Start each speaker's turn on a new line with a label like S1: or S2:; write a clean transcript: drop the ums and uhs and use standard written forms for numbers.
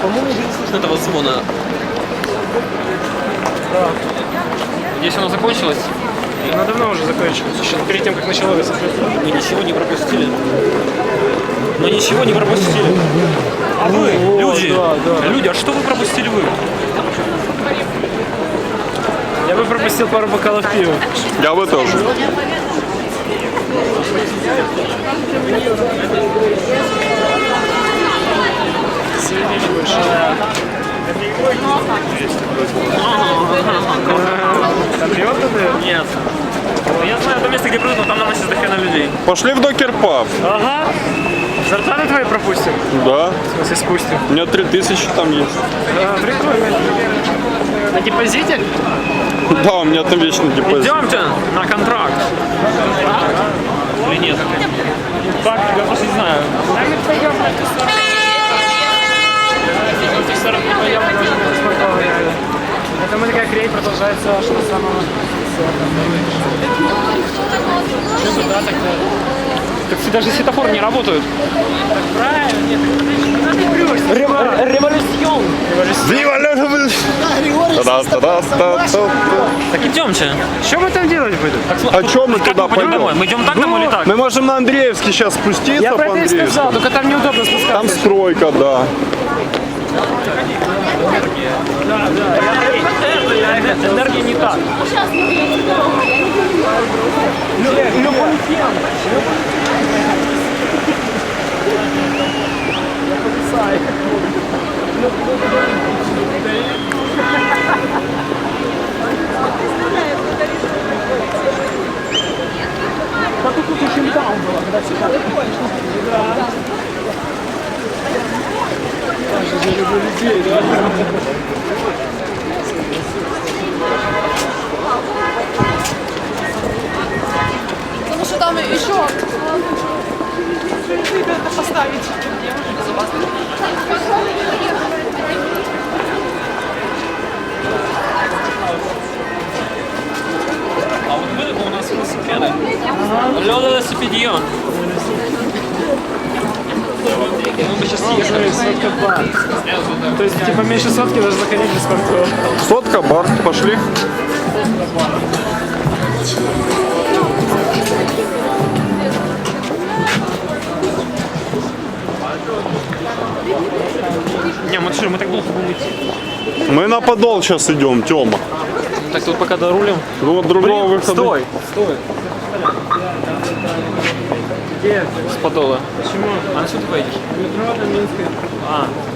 S1: По-моему, не слышно этого звона.
S2: Да.
S1: Здесь оно закончилось.
S2: Она давно уже закончилась, еще перед тем, как началось.
S1: Мы ничего не пропустили. Мы ничего не пропустили. А вы, люди,
S2: да.
S1: люди, а что вы пропустили вы?
S2: Я бы пропустил пару бокалов пива.
S3: Я бы тоже.
S2: Свинили больше. Там пьет это?
S1: Нет. Я знаю то место, где прыгну, там нам сейчас дохрена людей.
S3: Пошли в докер-паб.
S2: Ага. Зарплаты твои пропустим?
S3: Да.
S2: В смысле спустим?
S3: У меня 3000 там есть.
S2: Да, прикольно. На депозите?
S3: Да, у меня там вечно депозит.
S1: Идемте на контракт. Или нет? Так, я просто не знаю.
S2: Мы пойдем на эту сторону. В эту сторону не пойдем, потому что это спортовая реально. Это мы такая крей продолжается аж до самого... Что туда тогда?
S1: Так даже светофоры не работают.
S2: Правильно, нет, ты прешься.
S1: Революцион. Так идемте.
S2: Что мы там делать будем?
S3: А чё мы
S1: Как
S3: туда
S1: мы пойдем домой?
S3: пойдем?
S1: Мы идем так домой или так?
S3: Мы можем на Андреевский сейчас спуститься
S2: Я
S3: по
S2: про это и
S3: Андреевскому.
S2: сказал, только там неудобно спускаться.
S3: Там стройка, да.
S1: Энергия не так.
S4: Потому что там еще это поставить.
S1: А вот мы, у нас велосипеды. Лёда велосипедион. Мы бы сейчас съехали.
S2: Сотка-бар. То есть, типа, меньше сотки даже заходить без спортов.
S3: Сотка, бар, пошли.
S1: Не, мы что, мы так долго будем идти.
S3: Мы на подол сейчас идем, Тёма.
S1: Так тут пока дорулим.
S3: Ну вот другого выхода.
S1: Стой.
S2: Где?
S1: С подола.
S2: Почему?
S1: А на что ты поедешь?
S2: Метро на Минской.
S1: А,